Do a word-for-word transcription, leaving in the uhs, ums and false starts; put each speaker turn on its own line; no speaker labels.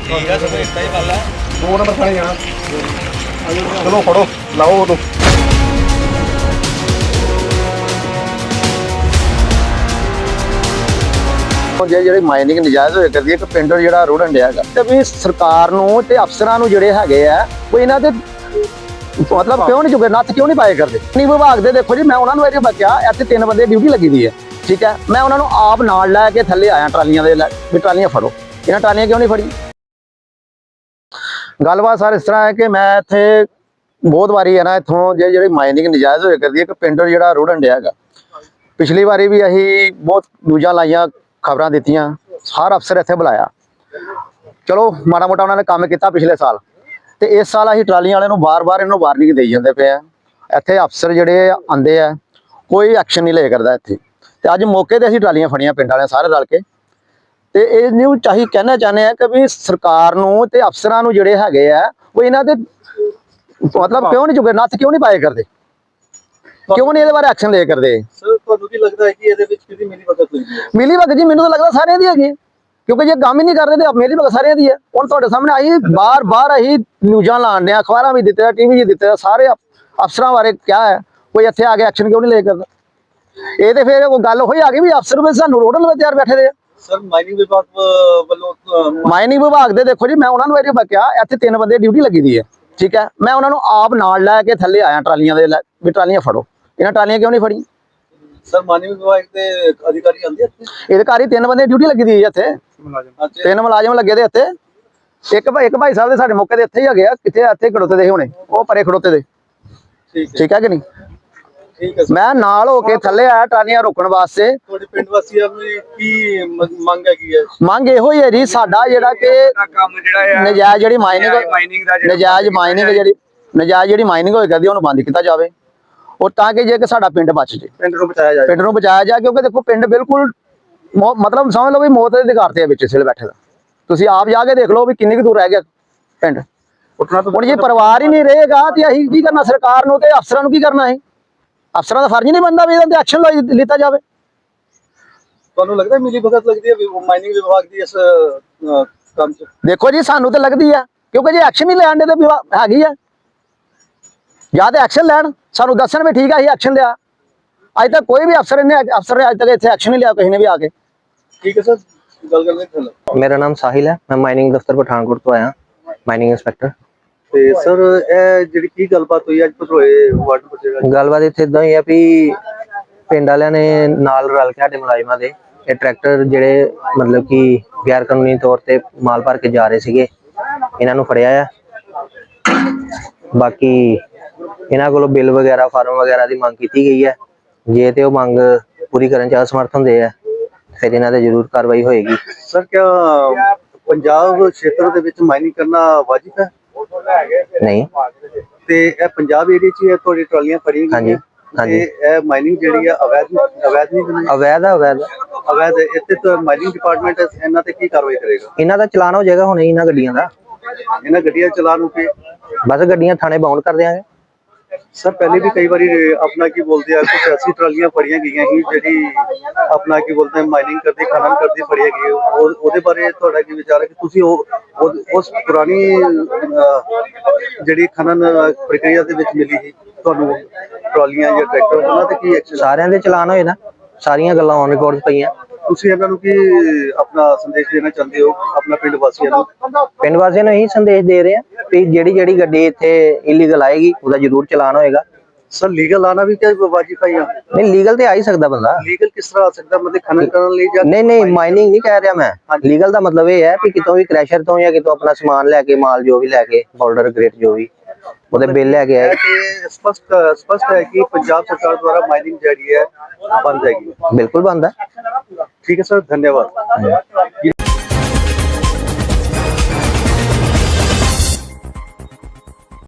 ठीक है सब इतना ही वाला
दो नंबर थाने जाना। चलो फड़ो लाओ तो ਜਿਹੜੀ ਮਾਈਨਿੰਗ ਨਜਾਇਜ਼ ਹੋਇਆ ਕਰਦੀ ਹੈ ਕਿ ਪਿੰਡ ਜਿਹੜਾ ਰੋੜਨ ਡਿਆ ਹੈਗਾ ਤੇ ਵੀ ਸਰਕਾਰ ਨੂੰ ਤੇ ਅਫਸਰਾਂ ਨੂੰ ਜਿਹੜੇ ਹੈਗੇ ਆ ਉਹ ਇਹਨਾਂ ਦੇ ਮਤਲਬ ਕਿਉਂ ਨਹੀਂ ਜੁਗੇ ਨੱਥ ਕਿਉਂ ਨਹੀਂ ਪਾਏ ਕਰਦੇ। ਨਹੀਂ ਵਿਭਾਗ ਦੇ ਦੇਖੋ ਜੀ ਮੈਂ ਉਹਨਾਂ ਨੂੰ ਇਹ ਬਕਿਆ ਇੱਥੇ ਤਿੰਨ ਬੰਦੇ ਡਿਊਟੀ ਲੱਗੀ ਦੀ ਹੈ ਠੀਕ ਹੈ ਮੈਂ ਉਹਨਾਂ ਨੂੰ ਆਪ ਨਾਲ ਲੈ ਕੇ ਥੱਲੇ ਆਇਆ ਟਰਾਲੀਆਂ ਦੇ ਵੀ ਟਰਾਲੀਆਂ ਫੜੋ ਇਹਨਾਂ ਟਰਾਲੀਆਂ ਕਿਉਂ ਨਹੀਂ ਫੜੀ। ਗੱਲਬਾਤ ਸਰ ਇਸ ਤਰ੍ਹਾਂ ਹੈ ਕਿ ਮੈਂ ਇੱਥੇ ਬਹੁਤ ਵਾਰੀ ਹੈ ਨਾ ਇੱਥੋਂ ਜੇ ਜਿਹੜੀ ਮਾਈਨਿੰਗ ਨਜਾਇਜ਼ ਹੋਇਆ ਕਰਦੀ ਹੈ ਕਿ ਪਿੰਡ ਜਿਹੜਾ ਰੋੜਨ ਡਿਆ ਹੈਗਾ ਪਿਛਲੀ ਵਾਰੀ ਵੀ ਅਸੀਂ ਬਹੁਤ ਨਿਊਜ਼ਾਂ ਲਾਈਆਂ ਖਬਰਾਂ ਦਿੱਤੀਆਂ ਹਰ ਅਫਸਰ ਇੱਥੇ ਬੁਲਾਇਆ ਚਲੋ ਮਾੜਾ ਮੋਟਾ ਉਹਨਾਂ ਨੇ ਕੰਮ ਕੀਤਾ ਪਿਛਲੇ ਸਾਲ ਤੇ ਇਸ ਸਾਲ ਅਸੀਂ ਟਰਾਲੀਆਂ ਵਾਲਿਆਂ ਨੂੰ ਬਾਰ-ਬਾਰ ਇਹਨੂੰ ਵਾਰਨਿੰਗ ਦੇਈ ਜਾਂਦੇ ਪਏ ਆ ਇੱਥੇ ਅਫਸਰ ਜਿਹੜੇ ਆਂਦੇ ਆ ਕੋਈ ਐਕਸ਼ਨ ਨਹੀਂ ਲੈ ਕਰਦਾ ਇੱਥੇ ਤੇ ਅੱਜ ਮੌਕੇ ਤੇ ਅਸੀਂ ਟਰਾਲੀਆਂ ਫੜੀਆਂ ਪਿੰਡ ਵਾਲਿਆਂ ਸਾਰੇ ਰਲ ਕੇ ਤੇ ਇਹ ਨੂੰ ਚਾਹੀ ਕਹਿਣਾ ਚਾਹੁੰਦੇ ਆ ਕਿ ਵੀ ਸਰਕਾਰ ਨੂੰ ਤੇ ਅਫਸਰਾਂ ਨੂੰ ਜਿਹੜੇ ਹੈਗੇ ਆ ਉਹ ਇਹਨਾਂ ਦੇ ਮਤਲਬ ਕਿਉਂ ਨਹੀਂ ਜੁਗੇ ਨੱਥ ਕਿਉਂ ਨਹੀਂ ਪਾਏ ਕਰਦੇ ਕਿਉਂ ਨਹੀਂ ਇਹਦੇ ਬਾਰੇ ਐਕਸ਼ਨ ਲੈ ਕਰਦੇ।
ਸਰ ਤੁਹਾਨੂੰ ਕੀ ਲੱਗਦਾ ਹੈ ਕਿ ਇਹਦੇ ਵਿੱਚ ਕਿਹਦੀ ਮਿਲੀ ਭਗਤ ਹੋਈ ਹੈ।
ਮਿਲੀ ਭਗਤ ਜੀ ਮੈਨੂੰ ਤਾਂ ਲੱਗਦਾ ਸਾਰਿਆਂ ਦੀ ਹੈਗੀ ਕਿਉਂਕਿ ਜੇ ਕੰਮ ਹੀ ਨਹੀਂ ਕਰਦੇ ਤੇ ਮੇਰੀ ਭਗਤ ਸਾਰਿਆਂ ਦੀ ਹੈ। ਹੁਣ ਤੁਹਾਡੇ ਸਾਹਮਣੇ ਆਈ ਬਾਰ ਬਾਰ ਅਸੀਂ ਨਿਊਜ਼ਾਂ ਲਾਣ ਡਿਆ ਅਖਬਾਰਾਂ ਵੀ ਦਿੱਤੇ ਟੀਵੀ 'ਚ ਦਿੱਤੇ ਸਾਰੇ ਅਫਸਰਾਂ ਬਾਰੇ ਕਿਹਾ ਹੈ ਕੋਈ ਇੱਥੇ ਆ ਕੇ ਐਕਸ਼ਨ ਕਿਉਂ ਨਹੀਂ ਲੈ ਕਰਦਾ। ਇਹ ਤੇ ਫਿਰ ਉਹ ਗੱਲ ਹੋਈ ਆ ਗਈ ਵੀ ਅਫਸਰ ਵੀ ਸਾਨੂੰ ਰੋਡਨ ਵਿੱਚ ਤਿਆਰ ਬੈਠੇ ਦੇ।
ਸਰ ਮਾਈਨਿੰਗ ਵਿਭਾਗ ਵੱਲੋਂ
ਮਾਈਨਿੰਗ ਵਿਭਾਗ ਦੇ ਦੇਖੋ ਜੀ ਮੈਂ ਉਹਨਾਂ ਨੂੰ ਇਹ ਬਕਿਆ ਇੱਥੇ ਤਿੰਨ ਬੰਦੇ ਡਿਊਟੀ ਲੱਗੀ ਦੀ ਹੈ ਠੀਕ ਹੈ ਮੈਂ ਉਹਨਾਂ ਨੂੰ ਆਪ ਨਾਲ ਲੈ ਕੇ ਥੱਲੇ ਆਇਆ ਟਰਾਲੀਆਂ ਦੇ ਵੀ ਟਰਾਲੀਆਂ ਫੜੋ ਇਹਨਾਂ ਟਰਾਲੀਆਂ ਕਿਉਂ ਨਹੀਂ ਫੜੀ।
ਸਰ ਮਾਈਨਿੰਗ ਵਿਭਾਗ ਦੇ ਅਧਿਕਾਰੀ ਆਉਂਦੇ ਇੱਥੇ
ਇਹਦੇ ਘਰ ਹੀ ਤਿੰਨ ਬੰਦੇ ਡਿਊਟੀ ਲੱਗੀ ਦੀ ਹੈ ਇੱਥੇ ਤਿੰਨ ਮੁਲਾਜ਼ਮ ਲੱਗੇ ਦੇ ਇੱਥੇ ਇੱਕ ਭਾਈ ਇੱਕ ਭਾਈ ਸਾਹਿਬ ਦੇ ਸਾਡੇ ਮੌਕੇ ਦੇ ਇੱਥੇ ਹੀ ਹੈਗੇ ਆ ਕਿੱਥੇ ਇੱਥੇ ਖੜੋਤੇ ਦੇ ਹੋਣੇ ਉਹ ਪਰੇ ਖੜੋਤੇ ਦੇ ਠੀਕ ਹੈ ਕਿ ਨਹੀਂ।
ਠੀਕ ਹੈ
ਮੈਂ ਨਾਲ ਹੋ ਕੇ ਥੱਲੇ ਆਇਆ ਟਰਾਲੀਆਂ ਰੋਕਣ ਵਾਸਤੇ।
ਤੁਹਾਡੇ ਪਿੰਡ ਵਾਸੀਆਂ ਦੀ ਕੀ ਮੰਗ ਹੈਗੀ ਹੈ।
ਮੰਗ ਇਹੋ ਹੀ ਹੈ ਜੀ ਸਾਡਾ ਜਿਹੜਾ ਕਿ
ਕੰਮ ਜਿਹੜਾ
ਨਜਾਇਜ਼ ਜਿਹੜੀ ਮਾਈਨਿੰਗ ਨਜਾਇਜ਼ ਮਾਈਨਿੰਗ ਜਿਹੜੀ ਨਜਾਇਜ਼ ਜਿਹੜੀ ਮਾਈਨਿੰਗ ਹੋਈ ਕਰਦੀ ਉਹਨੂੰ ਬੰਦ ਕੀਤਾ ਜਾਵੇ ਉਹ ਤਾਂ ਕਿ ਜੇ ਕਿ ਸਾਡਾ ਪਿੰਡ ਬਚ ਜੇ
ਪਿੰਡ ਨੂੰ ਬਚਾਇਆ ਜਾਏ
ਪਿੰਡ ਨੂੰ ਬਚਾਇਆ ਜਾਏ ਕਿਉਂਕਿ ਦੇਖੋ ਪਿੰਡ ਬਿਲਕੁਲ ਮਤਲਬ ਸਮਝ ਲਓ ਵੀ ਮੌਤ ਦੇ ਅਧਿਕਾਰ ਤੇ ਵਿੱਚ ਸਿਲ ਬੈਠੇ ਦਾ ਤੁਸੀਂ ਆਪ ਜਾ ਕੇ ਦੇਖ ਲਓ ਵੀ ਕਿੰਨੀ ਕੁ ਦੂਰ ਰਹਿ ਗਿਆ ਪਿੰਡ। ਹੁਣ ਜੇ ਪਰਿਵਾਰ ਹੀ ਨਹੀਂ ਰਹੇਗਾ ਤੇ ਅਸੀਂ ਕੀ ਕਰਨਾ ਸਰਕਾਰ ਨੂੰ ਤੇ ਅਫਸਰਾਂ ਨੂੰ ਕੀ ਕਰਨਾ ਹੈ। ਅਫਸਰਾਂ ਦਾ ਫਰਜ਼ ਨਹੀਂ ਬਣਦਾ ਵੀ ਇਹਨਾਂ ਤੇ ਐਕਸ਼ਨ ਲਿੱਤਾ ਜਾਵੇ।
ਤੁਹਾਨੂੰ ਲੱਗਦਾ ਮਿਲੀ ਭਗਤ ਲੱਗਦੀ ਹੈ ਮਾਈਨਿੰਗ ਵਿਭਾਗ ਦੀ ਇਸ ਕੰਮ 'ਚ।
ਦੇਖੋ ਜੀ ਸਾਨੂੰ ਤਾਂ ਲੱਗਦੀ ਆ ਕਿਉਂਕਿ ਜੇ ਐਕਸ਼ਨ ਨਹੀਂ ਲੈਣ ਦੇ ਤੇ ਹੈਗੀ ਆ ਜਾਂ ਤੇ ਐਕਸ਼ਨ ਲੈਣ ਸਾਨੂੰ ਦੱਸਣ ਵੀ ਠੀਕ ਆ ਅਸੀਂ ਐਕਸ਼ਨ ਲਿਆ ਅੱਜ ਤੱਕ ਕੋਈ ਵੀ ਅਫਸਰ ਨੇ ਅਫਸਰ ਨੇ ਅੱਜ ਤੱਕ ਇੱਥੇ ਐਕਸ਼ਨ ਨਹੀਂ ਲਿਆ ਕਿਸੇ ਨੇ ਵੀ ਆ ਕੇ।
ਠੀਕ ਹੈ ਸਰ ਗੱਲ ਕਰ ਲੈਂਦੇ।
ਮੇਰਾ ਨਾਮ ਸਾਹਿਲ ਹੈ ਮੈਂ ਮਾਈਨਿੰਗ ਦਫ਼ਤਰ ਪਠਾਨਕੋਟ ਤੋਂ ਆਇਆ ਮਾਈਨਿੰਗ ਇੰਸਪੈਕਟਰ।
ਤੇ ਸਰ ਇਹ ਜਿਹੜੀ ਕੀ ਗੱਲਬਾਤ ਹੋਈ ਅੱਜ ਪਟਰੋਏ ਵਾਰਡ ਵਿੱਚ।
ਗੱਲਬਾਤ ਇੱਥੇ ਇਦਾਂ ਹੀ ਆ ਵੀ ਪਿੰਡ ਵਾਲਿਆਂ ਨੇ ਨਾਲ ਰਲ ਕੇ ਸਾਡੇ ਮੁਲਾਜ਼ਮਾਂ ਦੇ ਇਹ ਟਰੈਕਟਰ ਜਿਹੜੇ ਮਤਲਬ ਕਿ ਗੈਰ ਕਾਨੂੰਨੀ ਤੌਰ ਤੇ ਮਾਲ ਭਰ ਕੇ ਜਾ ਰਹੇ ਸੀਗੇ ਇਹਨਾਂ ਨੂੰ ਫੜਿਆ ਆ। ਬਾਕੀ ਇਹਨਾਂ ਕੋਲੋਂ ਬਿੱਲ ਵਗੈਰਾ ਫਾਰਮ ਵਗੈਰਾ ਦੀ ਮੰਗ ਕੀਤੀ ਗਈ ਹੈ ਜੇ ਤੇ ਉਹ ਮੰਗ ਪੂਰੀ ਕਰਨ ਚ ਅਸਮਰਥ ਹੁੰਦੇ ਆ ਫਿਰ ਇਹਨਾਂ ਤੇ ਜ਼ਰੂਰ ਕਾਰਵਾਈ ਹੋਏਗੀ।
ਸਰ ਕਿਆ ਪੰਜਾਬ ਖੇਤਰ ਦੇ ਵਿੱਚ ਮਾਈਨਿੰਗ ਕਰਨਾ ਵਾਜਿਬ ਹੈ।
ਨਹੀਂ
ਤੇ ਇਹ ਪੰਜਾਬ ਏਰੀਆ 'ਚ ਹੀ ਤੁਹਾਡੀ ਟਰਾਲੀਆਂ ਫੜੀਆਂ
ਹਾਂਜੀ ਹਾਂਜੀ
ਇਹ ਮਾਈਨਿੰਗ ਜਿਹੜੀ ਆ ਅਵੈਧ ਅਵੈਧ ਨਹੀਂ
ਅਵੈਧ ਆ ਅਵੈਧ
ਅਵੈਧ ਇੱਥੇ ਤਾਂ ਮਾਈਨਿੰਗ ਡਿਪਾਰਟਮੈਂਟ ਇਹਨਾਂ ਤੇ ਕੀ ਕਾਰਵਾਈ ਕਰੇਗਾ।
ਇਹਨਾਂ ਦਾ ਚਲਾਨ ਹੋ ਜਾਏਗਾ ਹੁਣੇ ਇਹਨਾਂ ਗੱਡੀਆਂ ਦਾ
ਇਹਨਾਂ ਗੱਡੀਆਂ ਚਲਾਨ ਹੋ ਕੇ
ਬਸ ਗੱਡੀਆਂ ਥਾਣੇ ਬਾਉਂਡ ਕਰ ਦਿਆਂਗੇ।
ਸਰ ਪਹਿਲੇ ਵੀ ਕਈ ਵਾਰੀ ਆਪਣਾ ਕੀ ਬੋਲਦੇ ਆ ਕੁਝ ਐਸੀ ਟਰਾਲੀਆਂ ਫੜੀਆਂ ਗਈਆਂ ਸੀ ਜਿਹੜੀ ਆਪਣਾ ਕੀ ਬੋਲਦੇ ਮਾਈਨਿੰਗ ਕਰਦੀ ਖਨਨ ਕਰਦੀ ਫੜੀਆਂ ਗਈ ਉਹਦੇ ਬਾਰੇ ਤੁਹਾਡਾ ਕੀ ਵਿਚਾਰ ਹੈ ਕਿ ਤੁਸੀਂ ਉਹ ਉਸ ਪੁਰਾਣੀ ਜਿਹੜੀ ਖਨਨ ਪ੍ਰਕਿਰਿਆ ਦੇ ਵਿੱਚ ਮਿਲੀ ਸੀ ਤੁਹਾਨੂੰ ਟਰਾਲੀਆਂ ਜਾਂ ਟਰੈਕਟਰ ਉਹਨਾਂ ਤੇ ਕੀ ਐਕਸ਼ਨ।
ਸਾਰਿਆਂ ਦੇ ਚਲਾਨ ਹੋਏ ਨਾ ਸਾਰੀਆਂ ਗੱਲਾਂ ਔਨ ਰਿਕਾਰਡ ਪਈਆਂ।
ਤੁਸੀਂ ਇਹਨਾਂ ਨੂੰ ਕੀ ਆਪਣਾ ਸੰਦੇਸ਼ ਦੇਣਾ ਚਾਹੁੰਦੇ ਹੋ ਆਪਣਾ ਪਿੰਡ ਵਾਸੀਆਂ ਨੂੰ।
ਪਿੰਡ ਵਾਸੀਆਂ ਨੂੰ ਇਹੀ ਸੰਦੇਸ਼ ਦੇ ਰਹੇ ਆ ਕਿ ਜਿਹੜੀ ਜਿਹੜੀ ਗੱਡੀ ਇੱਥੇ ਇਲੀਗਲ ਆਏਗੀ ਉਹਦਾ ਜ਼ਰੂਰ ਚਲਾਨ ਹੋਏਗਾ।
ਸਰ ਲੀਗਲ ਆਣਾ ਵੀ ਕਿਆ ਵਾਜਿਬ ਹੈ।
ਨਹੀਂ ਲੀਗਲ ਤੇ ਆ ਹੀ ਸਕਦਾ ਬੰਦਾ।
ਲੀਗਲ ਕਿਸ ਤਰ੍ਹਾਂ ਆ ਸਕਦਾ ਮਤਲਬ ਖਨਨ ਕਰਨ ਲਈ ਜਾਂ
ਨਹੀਂ ਨਹੀਂ ਮਾਈਨਿੰਗ ਨਹੀਂ ਕਹਿ ਰਿਹਾ ਮੈਂ। ਲੀਗਲ ਦਾ ਮਤਲਬ ਇਹ ਹੈ ਕਿ ਕਿਤੋਂ ਵੀ ਕ੍ਰੈਸ਼ਰ ਤੋਂ ਜਾਂ ਕਿਤੋਂ ਆਪਣਾ ਸਮਾਨ ਲੈ ਕੇ ਮਾਲ ਜੋ ਵੀ ਲੈ ਕੇ ਬਾਰਡਰ ਗ੍ਰੇਟ ਜੋ ਵੀ ਉਹਦੇ ਬਿੱਲ ਲੈ ਕੇ ਆਏ।
ਸਪਸ਼ਟ ਸਪਸ਼ਟ ਹੈ ਕਿ ਪੰਜਾਬ ਸਰਕਾਰ ਦੁਆਰਾ ਮਾਈਨਿੰਗ ਜਿਹੜੀ ਹੈ ਬੰਦ ਹੈਗੀ।
ਬਿਲਕੁਲ ਬੰਦ ਹੈ।
ठीक है सर धन्यवाद।